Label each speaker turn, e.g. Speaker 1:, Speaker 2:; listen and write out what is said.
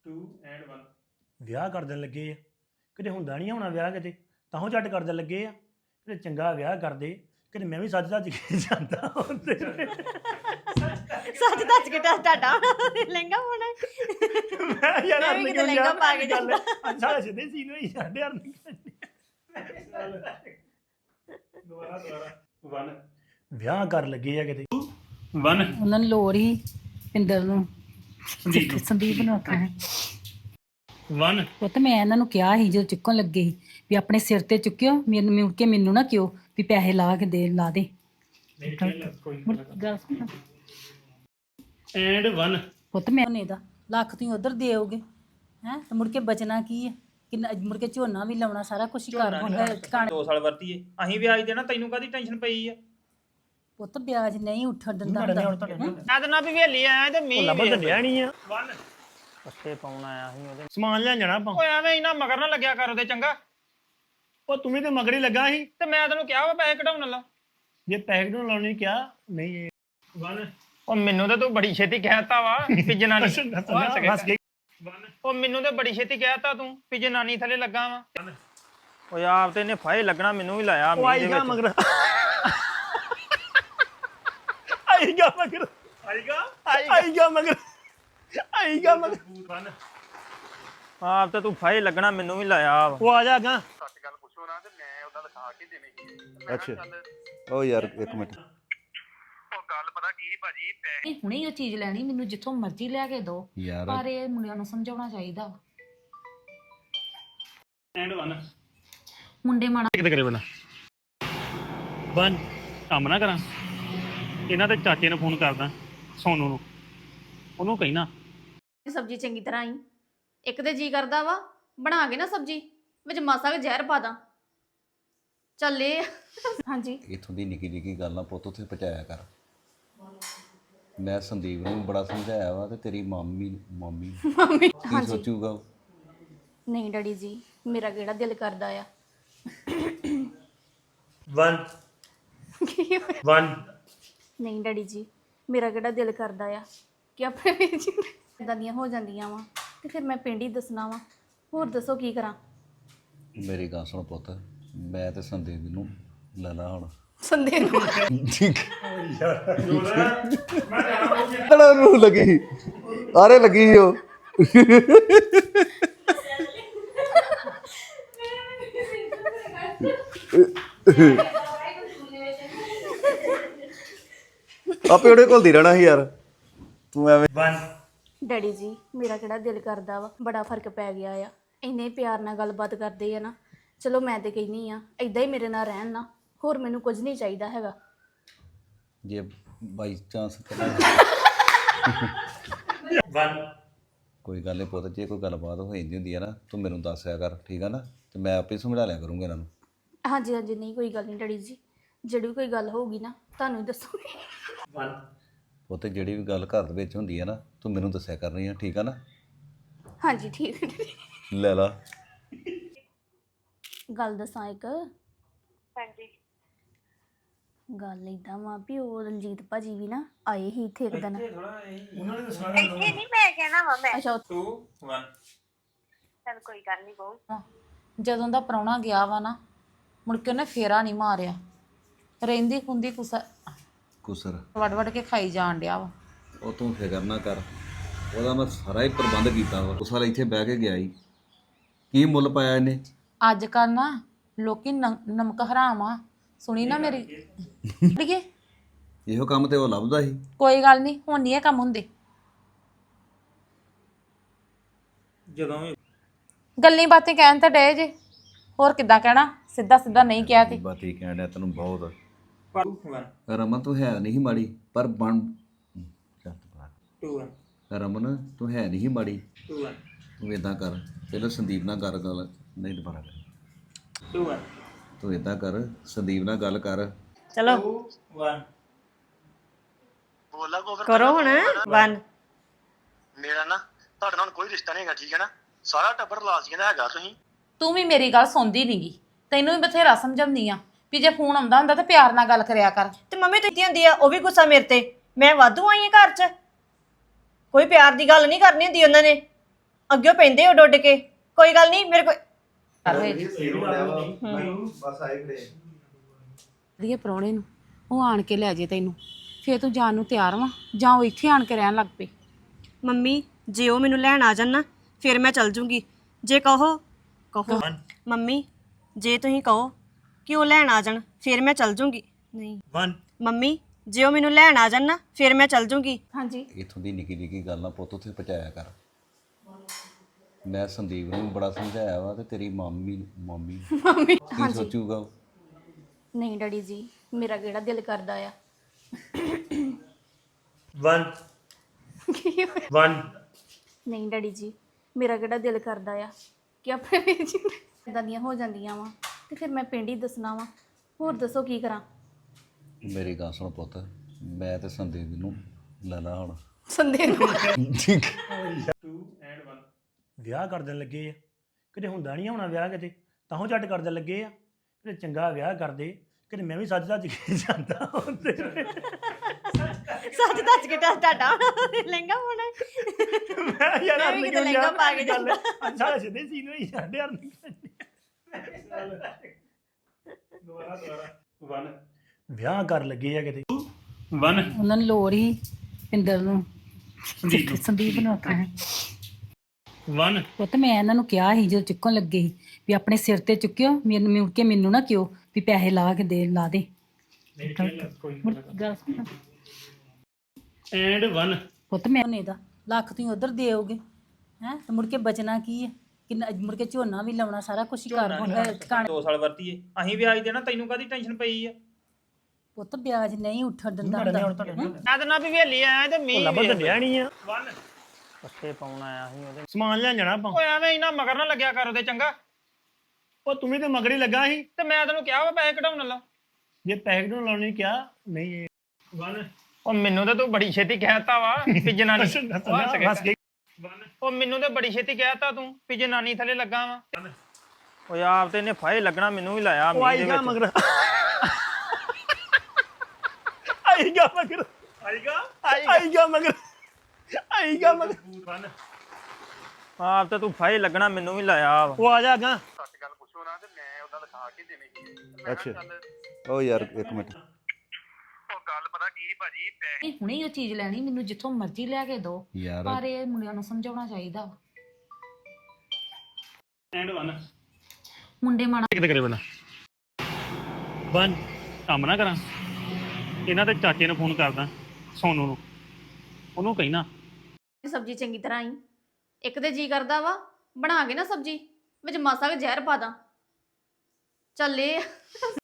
Speaker 1: 2 and 1
Speaker 2: ਵਿਆਹ ਕਰ ਦੇਣ ਲੱਗੇ ਆ ਕਿਤੇ ਹੁੰਦਾ ਨਹੀਂ ਹੋਣਾ ਵਿਆਹ ਕਿਤੇ ਤਾਂਹੋਂ ਝੱਟ ਕਰ ਦੇਣ ਲੱਗੇ ਆ ਕਿਤੇ ਚੰਗਾ ਵਿਆਹ ਕਰਦੇ ਕਿਤੇ ਮੈਂ ਵੀ ਸੱਜ ਧੱਜ ਕੇ ਜਾਂਦਾ ਹੁੰਦੇ
Speaker 3: ਸੱਚ ਦੱਸ ਕੇ ਤੁਹਾਡਾ ਲਹਿੰਗਾ ਹੋਣਾ
Speaker 2: ਮੈਂ ਯਾਰ
Speaker 3: ਮੈਂ ਵੀ ਕਿਤੇ ਲਹਿੰਗਾ ਪਾ ਕੇ ਜਾਂਦਾ।
Speaker 2: ਅੱਛਾ ਸਿੱਧੇ ਸੀਨ ਹੋਈ ਸਾਡੇ ਯਾਰ
Speaker 1: ਦੁਬਾਰਾ 1
Speaker 2: ਵਿਆਹ ਕਰ ਲੱਗੇ ਆ ਕਿਤੇ
Speaker 1: 1
Speaker 4: ਉਹਨਾਂ ਨੂੰ ਲੋੜ ਹੀ ਪਿੰਦਰ ਨੂੰ
Speaker 1: ਸੰਦੀਪ
Speaker 4: ਸੰਦੀਪ ਨੂੰ ਆਖਣਾ
Speaker 1: 1
Speaker 4: ਉਹ ਤਾਂ ਮੈਂ ਇਹਨਾਂ ਨੂੰ ਕਿਹਾ ਸੀ ਜਦੋਂ ਚੁੱਕਣ ਲੱਗੇ ਸੀ ਵੀ ਆਪਣੇ ਸਿਰ ਤੇ ਚੁੱਕਿਓ ਮੈਨੂੰ ਮੁੜ ਕੇ ਮੈਨੂੰ ਨਾ ਕਿਉ ਵੀ ਪੈਸੇ ਲਾ ਕੇ ਦੇ ਲਾ ਦੇ ਮੁੜ ਗੱਲ ਸੁਣ
Speaker 1: and 1
Speaker 4: ਪੁੱਤ ਮੈਂ ਨੇ ਦਾ ਲੱਖ ਤੁਸੀਂ ਉਧਰ ਦੇਓਗੇ ਹੈ ਤੇ ਮੁੜ ਕੇ ਬਚਣਾ ਕੀ ਹੈ ਕਿੰਨਾ ਮੁੜ ਕੇ ਝੋਨਾ ਵੀ ਲਾਉਣਾ ਸਾਰਾ ਕੁਝ ਹੀ ਕਰ ਹੋਣਾ
Speaker 5: 2 ਸਾਲ ਵਰਤੀਏ ਅਸੀਂ ਵਿਆਜ ਦੇਣਾ ਤੈਨੂੰ ਕਾਦੀ ਟੈਨਸ਼ਨ ਪਈ ਆ
Speaker 4: ਪੁੱਤ ਵਿਆਜ ਨਹੀਂ ਉੱਠਣ ਦਿੰਦਾ ਹੁੰਦਾ
Speaker 5: ਮੈਂ ਤਾਂ ਨਾ ਵੀ ਵੇਲੀ ਆਇਆ ਤੇ ਮੀਂਹ
Speaker 2: ਲੱਭ ਤਾਂ ਨਹੀਂ ਆ
Speaker 1: 1
Speaker 5: ਪੱਤੇ ਪਾਉਣ ਆਇਆ ਸੀ ਉਹਦੇ
Speaker 2: ਸਮਾਨ ਲੈਣ ਜਾਣਾ ਆਪਾਂ
Speaker 5: ਓਏ ਐਵੇਂ ਇਨਾ ਮਗਰ ਨਾ ਲੱਗਿਆ ਕਰ ਉਹਦੇ ਚੰਗਾ
Speaker 2: ਉਹ ਤੂੰ ਵੀ ਤੇ ਮਗਰੀ ਲੱਗਾ ਸੀ
Speaker 5: ਤੇ ਮੈਂ ਤੈਨੂੰ ਕਿਹਾ ਵਾ ਪੈਸੇ ਕਢਾਉਣ ਲਾ
Speaker 2: ਜੇ ਪੈਸੇ ਨੂੰ ਲਾਉਣੀ ਕਿਹਾ ਨਹੀਂ
Speaker 1: 1
Speaker 5: ਉਹ ਮੈਨੂੰ ਤੇ ਤੂੰ ਬੜੀ ਛੇਤੀ ਕਹਿਤਾ ਵਾ ਵੀ ਜਨਾਨੀ
Speaker 2: ਹੱਸ ਕੇ
Speaker 1: 1
Speaker 5: ਉਹ ਮੈਨੂੰ ਤੇ ਬੜੀ ਛੇਤੀ ਕਹਿਤਾ ਤੂੰ ਵੀ ਜਨਾਨੀ ਥੱਲੇ ਲੱਗਾ ਵਾ ਓਏ ਆਪ ਤੇ ਇਹਨੇ ਫਾਇ ਲੱਗਣਾ ਮੈਨੂੰ ਵੀ ਲਾਇਆ
Speaker 2: ਉਹ
Speaker 5: ਮੀਂਹ ਦੇ
Speaker 2: ਆਈਗਾ
Speaker 5: ਵਿੱਚ
Speaker 2: ਮਗਰ ਆਈਗਾ ਮਗਰ ਆਈਗਾ ਮਗਰ ਆਈਗਾ ਮਗਰ
Speaker 1: 1
Speaker 5: ਆਪ ਤੇ ਤੂੰ ਫਾਇ ਲੱਗਣਾ ਮੈਨੂੰ ਵੀ ਲਾਇਆ ਵਾ
Speaker 2: ਉਹ ਆ ਜਾ ਗਾ
Speaker 6: ਅੱਛਾ ਉਹ ਯਾਰ ਇੱਕ ਮਿੰਟ
Speaker 4: ਹੁਣੇ ਹੀ ਉਹ ਚੀਜ਼ ਲੈਣੀ ਮੈਨੂੰ ਜਿੱਥੋਂ ਮਰਜ਼ੀ ਲੈ ਕੇ ਦੋ
Speaker 6: ਯਾਰ
Speaker 4: ਪਰ ਇਹ ਮੁੰਡਿਆਂ ਨੂੰ ਸਮਝਾਉਣਾ ਚਾਹੀਦਾ
Speaker 1: and 1
Speaker 4: ਮੁੰਡੇ ਮਾੜਾ
Speaker 1: ਕਿਤੇ ਕਰੇ ਬਣਾ 1 ਕੰਮ ਨਾ ਕਰਾਂ ਇਹਨਾਂ ਦੇ ਚਾਚੇ ਨੂੰ ਫੋਨ ਕਰਦਾ ਸੋਨੂ ਨੂੰ ਉਹਨੂੰ ਕਹਿਣਾ
Speaker 3: ਸਬਜ਼ੀ ਚੰਗੀ ਤਰ੍ਹਾਂ ਹੀ ਇੱਕ ਤੇ ਜੀ ਕਰਦਾ ਵਾ ਬਣਾ ਕੇ ਨਾ ਸਬਜ਼ੀ ਵਿੱਚ ਮਾਸਾ ਕੁ ਜ਼ਹਿਰ ਪਾ ਦਾਂ ਚੱਲੇ ਹਾਂਜੀ
Speaker 6: ਇਥੋਂ ਦੀ ਨਿੱਕੀ ਨਿੱਕੀ ਗੱਲ ਨਾ ਪੁੱਤ ਉੱਥੇ ਪਹੁੰਚਾਇਆ ਕਰ ਮੈਂ ਸੰਦੀਪ ਨੂੰ ਬੜਾ ਸਮਝਾਇਆ ਵਾ ਤੇ ਤੇਰੀ ਮਾਮੀ ਕੀ ਸੋਚੂਗਾ ਉਹ?
Speaker 3: ਨਹੀਂ ਡੈਡੀ ਜੀ ਮੇਰਾ ਕਿਹੜਾ ਦਿਲ ਕਰਦਾ ਆ
Speaker 2: 1 1
Speaker 3: ਨਹੀਂ ਡੈਡੀ ਜੀ ਮੇਰਾ ਕਿਹੜਾ ਦਿਲ ਕਰਦਾ ਆ ਕਿ ਆਪਣੇ ਵੀਰ ਜੀ ਇਦਾਂ ਦੀਆਂ ਹੋ ਜਾਂਦੀਆਂ ਵਾ ਤੇ ਫਿਰ ਮੈਂ ਪਿੰਡ ਹੀ ਦੱਸਣਾ ਵਾ ਹੋਰ ਦੱਸੋ ਕੀ ਕਰਾਂ
Speaker 6: ਮੇਰੀ ਗੱਲ ਸੁਣ ਪੁੱਤ ਮੈਂ ਤੇ ਸੰਦੀਪ ਨੂੰ ਲੈ ਲਾ ਹੁਣ
Speaker 3: ਸੰਦੇ ਨੂੰ
Speaker 6: ਤੜਾ ਨੂੰ ਲੱਗੀ ਆਰੇ ਲੱਗੀ ਸੀ ਉਹ ਆਪੇ ਉਹਦੇ ਕੋਲ ਦੀ ਰਹਿਣਾ ਸੀ ਯਾਰ ਤੂੰ ਐਵੇਂ
Speaker 2: 1
Speaker 3: ਡੈਡੀ ਜੀ ਮੇਰਾ ਕਿਹੜਾ ਦਿਲ ਕਰਦਾ ਵਾ ਬੜਾ ਫਰਕ ਪੈ ਗਿਆ ਆ ਇੰਨੇ ਪਿਆਰ ਨਾਲ ਗੱਲਬਾਤ ਕਰਦੇ ਆ ਨਾ ਚਲੋ ਮੈਂ ਤੇ ਕਹਿੰਦੀ ਆ ਇਦਾਂ ਹੀ ਮੇਰੇ ਨਾਲ ਰਹਿਣ ਨਾ ਹੋਰ ਮੈਨੂੰ ਕੁਝ ਨਹੀਂ ਚਾਹੀਦਾ ਹੈਗਾ
Speaker 6: ਜੇ ਬਾਈ ਚਾਂਸ
Speaker 2: 1
Speaker 6: ਕੋਈ ਗੱਲ ਨਹੀਂ ਪੁੱਤ ਜੇ ਕੋਈ ਗੱਲਬਾਤ ਹੋ ਜਾਂਦੀ ਹੁੰਦੀ ਹੈ ਨਾ ਤੂੰ ਮੈਨੂੰ ਦੱਸਿਆ ਕਰ ਠੀਕ ਆ ਨਾ ਤੇ ਮੈਂ ਆਪੇ ਸਮਝਾ ਲਿਆ ਕਰੂੰਗਾ ਇਹਨਾਂ ਨੂੰ
Speaker 3: ਹਾਂਜੀ ਹਾਂਜੀ ਨਹੀਂ ਕੋਈ ਗੱਲ ਨਹੀਂ ਡੈਡੀ ਜੀ ਜਿਹੜੀ ਵੀ ਕੋਈ ਗੱਲ ਹੋਊਗੀ ਨਾ ਤੁਹਾਨੂੰ ਹੀ ਦੱਸੂਗੀ
Speaker 2: 1
Speaker 6: ਪੁੱਤ ਜਿਹੜੀ ਵੀ ਗੱਲ ਘਰ ਦੇ ਵਿੱਚ ਹੁੰਦੀ ਹੈ ਨਾ ਤੂੰ ਮੈਨੂੰ ਦੱਸਿਆ ਕਰਨੀ ਆ ਠੀਕ ਆ ਨਾ
Speaker 3: ਹਾਂਜੀ ਠੀਕ ਹੈ ਡੈਡੀ।
Speaker 6: ਲੈ ਲਾ
Speaker 3: ਗੱਲ ਦੱਸਾਂ ਇੱਕ ਹਾਂਜੀ ਗੱਲ ਇਦਾਂ ਵਾ ਵੀ ਉਹ ਰਣਜੀਤ ਭਾਜੀ ਵੀ ਨਾ ਆਏ ਹੀ ਇੱਥੇ ਇੱਕ ਦਿਨ
Speaker 2: ਉਹਨਾਂ ਨੇ ਦੱਸਣਾ
Speaker 3: ਅੱਛਾ
Speaker 1: 2 1
Speaker 4: ਜਦੋਂ ਦਾ ਪ੍ਰਾਹੁਣਾ ਗਿਆ ਵਾ ਨਾ ਮੁੜ ਕੇ ਉਹਨੇ ਫੇਰਾ ਨਹੀਂ ਮਾਰਿਆ ਰਹਿੰਦੀ ਖੁੰਦੀ
Speaker 6: ਕੁਸਰ
Speaker 4: ਵੜ ਵੜ ਕੇ ਖਾਈ ਜਾਣ ਡਿਆ ਵਾ
Speaker 6: ਉਹ ਤੂੰ ਫਿਕਰ ਨਾ ਕਰ ਉਹਦਾ ਮੈਂ ਸਾਰਾ ਹੀ ਪ੍ਰਬੰਧ ਕੀਤਾ ਵਾ ਉਸ ਵਾਰ ਇੱਥੇ ਬਹਿ ਕੇ ਗਿਆ ਹੀ ਕੀ ਮੁੱਲ ਪਾਇਆ ਇਹਨੇ
Speaker 4: ਅੱਜ ਕੱਲ ਨਾ ਲੋਕੀ ਨਮਕ ਹਰਾਮ ਆ ਸੁਣੀ ਨਾ ਮੇਰੀ ਅੜੀਏ
Speaker 6: ਇਹੋ ਕੰਮ ਤੇ ਉਹ ਲੱਭਦਾ ਸੀ
Speaker 4: ਕੋਈ ਗੱਲ ਨਹੀਂ ਹੁਣ ਨਹੀਂ ਇਹ ਕੰਮ ਹੁੰਦੇ
Speaker 5: ਜਦੋਂ ਵੀ
Speaker 4: ਗੱਲਾਂ ਬਾਤਾਂ ਕਹਿਣ ਤਾਂ ਡੇ ਜੇ ਹੋਰ ਕਿੱਦਾਂ ਕਹਿਣਾ ਸਿੱਧਾ ਸਿੱਧਾ ਨਹੀਂ ਕਿਹਾ ਤੇ
Speaker 6: ਬਾਤੀ ਕਹਿਣ ਡਿਆ ਤੈਨੂੰ ਬਹੁਤ
Speaker 1: 2 1
Speaker 6: ਰਮਨ ਤੂੰ ਹੈ ਨਹੀਂ ਮਾੜੀ ਪਰ ਬਣ ਚੱਲ ਬਾਹਰ।
Speaker 1: 2 1
Speaker 6: ਰਮਨ ਤੂੰ ਹੈ ਨਹੀਂ ਮਾੜੀ
Speaker 1: 2 1
Speaker 6: ਤੂੰ ਇਦਾਂ ਕਰ ਪਹਿਲਾਂ ਸੰਦੀਪ ਨਾਲ ਕਰ ਗੱਲ ਨਹੀਂ ਦੁਬਾਰਾ ਕਰ
Speaker 1: 2 1
Speaker 6: ਤੂੰ ਇਦਾਂ ਕਰ ਸੰਦੀਪ ਨਾਲ ਗੱਲ ਕਰ
Speaker 3: ਚਲੋ
Speaker 1: 2 1
Speaker 3: ਕਰੋ ਹੁਣ 1
Speaker 7: ਮੇਰਾ ਨਾ ਤੁਹਾਡੇ ਨਾਲ ਕੋਈ ਰਿਸ਼ਤਾ ਨਹੀਂ ਹੈਗਾ ਠੀਕ ਹੈ ਨਾ ਸਾਰਾ ਟੱਬਰ ਲਾਜ਼ੀਆਂ ਦਾ ਹੈਗਾ ਤੁਸੀਂ
Speaker 4: ਤੂੰ ਵੀ ਮੇਰੀ ਗੱਲ ਸੁਣਦੀ ਨਹੀਂਗੀ ਤੈਨੂੰ ਵੀ ਬਥੇਰਾ ਸਮਝਾਉਂਦੀ ਆ ਵੀ ਜੇ ਫੋਨ ਆਉਂਦਾ ਹੁੰਦਾ ਤਾਂ ਪਿਆਰ ਨਾਲ ਗੱਲ ਕਰਿਆ ਕਰ
Speaker 8: ਤੇ ਮੰਮੀ ਤੂੰ ਹੁੰਦੀ ਆ ਉਹ ਵੀ ਗੁੱਸਾ ਮੇਰੇ ਤੇ ਮੈਂ ਵਾਧੂ ਆਈ ਆ ਘਰ 'ਚ ਕੋਈ ਪਿਆਰ ਦੀ ਗੱਲ ਨਹੀਂ ਕਰਨੀ ਹੁੰਦੀ ਉਹਨਾਂ ਨੇ ਅੱਗੇ ਪੈਂਦੇ ਉੱਡ ਉੱਡ ਕੇ ਕੋਈ ਗੱਲ ਨਹੀਂ ਮੇਰੇ ਕੋਲ
Speaker 9: ਵਧੀਆ ਪ੍ਰਾਹੁਣੇ ਨੂੰ ਉਹ ਆਣ ਕੇ ਲੈ ਜੇ ਤੈਨੂੰ ਫੇਰ ਤੂੰ ਜਾਣ ਨੂੰ ਤਿਆਰ ਵਾਂ ਜਾਂ ਉਹ ਇੱਥੇ ਆਣ ਕੇ ਰਹਿਣ ਲੱਗ ਪਏ।
Speaker 8: ਮੰਮੀ ਜੇ ਉਹ ਮੈਨੂੰ ਲੈਣ ਆ ਜਾਣ ਨਾ ਫਿਰ ਮੈਂ ਚੱਲ ਜੂੰਗੀ ਜੇ ਕਹੋ ਮੰਮੀ ਜੇ ਤੁਸੀਂ ਕਹੋ ਕਿ ਉਹ ਲੈਣ ਆ ਜਾਣ ਫਿਰ ਮੈਂ ਚੱਲ ਜੂੰਗੀ ਨਹੀਂ
Speaker 2: 1
Speaker 8: ਮੰਮੀ ਜੇ ਉਹ ਮੈਨੂੰ ਲੈਣ ਆ ਜਾਣ ਨਾ ਫਿਰ ਮੈਂ ਚੱਲ ਜੂੰਗੀ
Speaker 3: ਹਾਂਜੀ
Speaker 6: ਇਥੋਂ ਦੀ ਨਿੱਕੀ ਨਿੱਕੀ ਗੱਲ ਨਾ ਪੁੱਤ ਉੱਥੇ ਪਹੁੰਚਾਇਆ ਕਰ। ਮੈਂ ਸੰਦੀਪ ਨੂੰ ਬੜਾ ਸਮਝਾਇਆ ਵਾ ਤੇ ਤੇਰੀ ਮਾਮੀ ਕੀ ਸੋਚੂਗਾ ਉਹ?
Speaker 3: ਨਹੀਂ ਡੈਡੀ ਜੀ ਮੇਰਾ ਕਿਹੜਾ ਦਿਲ ਕਰਦਾ ਆ
Speaker 2: 1 1
Speaker 3: ਨਹੀਂ ਡੈਡੀ ਜੀ ਮੇਰਾ ਕਿਹੜਾ ਦਿਲ ਕਰਦਾ ਆ ਕਿ ਆਪਣੇ ਵੀਰ ਜੀ ਇਦਾਂ ਦੀਆਂ ਹੋ ਜਾਂਦੀਆਂ ਵਾ ਤੇ ਫਿਰ ਮੈਂ ਪਿੰਡ ਹੀ ਦੱਸਣਾ ਵਾ। ਹੋਰ ਦੱਸੋ ਕੀ ਕਰਾਂ।
Speaker 6: ਮੇਰੀ ਗੱਲ ਸੁਣ ਪੁੱਤ, ਮੈਂ ਤੇ ਸੰਦੀਪ ਨੂੰ ਲੈ ਲਾ ਹੁਣ।
Speaker 3: ਸੰਦੇ ਨੂੰ
Speaker 2: ਵਿਆਹ ਕਰ ਦੇਣ ਲੱਗੇ ਆ ਕਿਤੇ ਹੁੰਦਾ ਨਹੀਂ ਹੋਣਾ ਵਿਆਹ ਕਿਤੇ ਤਾਂਹੋਂ ਝੱਟ ਕਰ ਦੇਣ ਲੱਗੇ ਆ ਕਿਤੇ ਚੰਗਾ ਵਿਆਹ ਕਰਦੇ ਕਿਤੇ ਮੈਂ ਵੀ ਸੱਜ ਸੱਜ ਕੇ ਜਾਂਦਾ ਹੁੰਦੇ
Speaker 8: ਸੱਚ ਦੱਸ ਕੇ ਤੁਹਾਡਾ ਲਹਿੰਗਾ ਪਾਉਣਾ
Speaker 2: ਮੈਂ ਯਾਰ
Speaker 8: ਮੈਂ ਵੀ ਕਿਤੇ ਲਹਿੰਗਾ ਪਾ ਕੇ ਜਾਂਦਾ।
Speaker 2: ਅੱਛਾ ਸਿੱਧੇ ਸੀਨ ਹੋਈ ਸਾਡੇ ਯਾਰ ਦੁਬਾਰਾ 1 ਵਿਆਹ ਕਰ ਲੱਗੇ ਆ ਕਿਤੇ
Speaker 1: 1
Speaker 4: ਉਹਨਾਂ ਨੂੰ ਲੋੜ ਹੀ ਪਿੰਦਰ ਨੂੰ ਸੰਦੀਪ ਨੂੰ ਆਖਣਾ
Speaker 1: 1
Speaker 4: ਪੁੱਤ ਮੈਂ ਇਹਨਾਂ ਨੂੰ ਕਿਹਾ ਸੀ ਜਦੋਂ ਚੁੱਕਣ ਲੱਗੇ ਸੀ ਵੀ ਆਪਣੇ ਸਿਰ ਤੇ ਚੁੱਕਿਓ ਮੈਨੂੰ ਮੁੜ ਕੇ ਮੈਨੂੰ ਨਾ ਕਿਉ ਵੀ ਪੈਸੇ ਲਾ ਕੇ ਦੇ ਲਾ ਦੇ ਗੱਲ ਸੁਣ।
Speaker 1: ਐਂਡ 1
Speaker 4: ਪੁੱਤ ਮੈਂ ਨੇ ਦਾ ਲੱਖ ਤੁਸੀਂ ਉਧਰ ਦੇਓਗੇ ਹੈ ਤੇ ਮੁੜ ਕੇ ਬਚਣਾ ਕੀ ਹੈ ਕਿੰਨਾ ਮੁੜ ਕੇ ਝੋਨਾ ਵੀ ਲਾਉਣਾ ਸਾਰਾ ਕੁਝ ਹੀ ਕਰ ਟਿਕਾਣੇ
Speaker 5: 2 ਸਾਲ ਵਰਤੀਏ ਅਸੀਂ ਵਿਆਜ ਦੇਣਾ ਤੈਨੂੰ ਕਾਦੀ ਟੈਨਸ਼ਨ ਪਈ ਆ
Speaker 4: ਪੁੱਤ ਵਿਆਜ ਨਹੀਂ ਉੱਠਣ ਦਿੰਦਾ ਹੁੰਦਾ
Speaker 5: ਮੈਂ ਤਾਂ ਨਾ ਵੀ ਵੇਲੀ ਆਇਆ ਤੇ ਮੀਂਹ
Speaker 2: ਲੱਭ ਦਿੰਦਿਆ ਨਹੀਂ ਆ
Speaker 1: 1
Speaker 5: ਪੱਤੇ ਪਾਉਣ ਆਇਆ ਸੀ ਉਹਦੇ
Speaker 2: ਸਮਾਨ ਲੈਣ ਜਾਣਾ ਆਪਾਂ
Speaker 5: ਓਏ ਐਵੇਂ ਇਨਾ ਮਗਰ ਨਾ ਲੱਗਿਆ ਕਰ ਉਹਦੇ ਚੰਗਾ
Speaker 2: ਉਹ ਤੂੰ ਵੀ ਤੇ ਮਗਰ ਹੀ ਲੱਗਾ ਸੀ
Speaker 5: ਤੇ ਮੈਂ ਤੈਨੂੰ ਕਿਹਾ ਵਾ ਪੈਸੇ ਕਢਾਉਣ ਲਾ
Speaker 2: ਜੇ ਪੈਕਟ ਨੂੰ ਲਾਉਣੀ ਕਿਹਾ ਨਹੀਂ
Speaker 1: 1
Speaker 5: ਉਹ ਮੈਨੂੰ ਤਾਂ ਤੂੰ ਬੜੀ ਛੇਤੀ ਕਹਿਤਾ ਵਾ ਵੀ ਜਨਾਨੀ
Speaker 2: ਹੱਸ ਕੇ
Speaker 5: ਉਹ ਮੈਨੂੰ ਤਾਂ ਬੜੀ ਛੇਤੀ ਕਹਿਤਾ ਤੂੰ ਵੀ ਜਨਾਨੀ ਥੱਲੇ ਲੱਗਾ ਵਾ ਓਏ ਆਪ ਤੇ ਇਹਨੇ ਫਾਇ ਲੱਗਣਾ ਮੈਨੂੰ ਵੀ ਲਾਇਆ ਮੀਂਹ ਦੇ
Speaker 2: ਆਈਗਾ
Speaker 5: ਵਿੱਚ
Speaker 2: ਮਗਰ ਆਈਗਾ ਮਗਰ ਆਈਗਾ ਮਗਰ ਆਈਗਾ ਮਗਰ
Speaker 5: ਆਪ ਤੇ ਤੂੰ ਫਾਇ ਲੱਗਣਾ ਮੈਨੂੰ ਵੀ ਲਾਇਆ ਵਾ
Speaker 2: ਉਹ ਆ ਜਾ ਗਾ
Speaker 7: ਸੱਚ ਗੱਲ ਪੁੱਛੋ ਨਾ ਤੇ ਮੈਂ ਉਹਦਾ ਲਿਖਾ ਕੇ ਦੇਣੀ ਸੀ
Speaker 6: ਅੱਛਾ ਉਹ ਯਾਰ ਇੱਕ ਮਿੰਟ
Speaker 7: ਉਹ ਗੱਲ ਪਤਾ ਕੀ ਭਾਜੀ
Speaker 9: ਇਹ ਹੁਣੇ ਉਹ ਚੀਜ਼ ਲੈਣੀ ਮੈਨੂੰ ਜਿੱਥੋਂ ਮਰਜ਼ੀ ਲੈ ਕੇ ਦਿਓ
Speaker 6: ਯਾਰ
Speaker 9: ਪਰ ਇਹ ਮੁੰਡਿਆਂ ਨੂੰ ਸਮਝਾਉਣਾ ਚਾਹੀਦਾ ਵਾ।
Speaker 1: ਐਂਡ 1
Speaker 9: ਮੁੰਡੇ ਮਾੜਾ
Speaker 1: ਕਿਤੇ ਕਰੇ ਬਣਾ 1 ਕੰਮ ਨਾ ਕਰਾਂ ਇਹਨਾਂ ਦੇ ਚਾਚੇ ਨੂੰ ਫੋਨ ਕਰਦਾ ਸੋਨੂ ਨੂੰ ਉਹਨੂੰ ਕਹਿਣਾ
Speaker 3: ਸਬਜ਼ੀ ਚੰਗੀ ਤਰ੍ਹਾਂ ਹੀ ਇੱਕ ਤੇ ਜੀ ਕਰਦਾ ਵਾ ਬਣਾ ਕੇ ਨਾ ਸਬਜ਼ੀ ਵਿੱਚ ਮਾਸਾ ਕੁ ਜ਼ਹਿਰ ਪਾ ਦਾਂ ਚੱਲੇ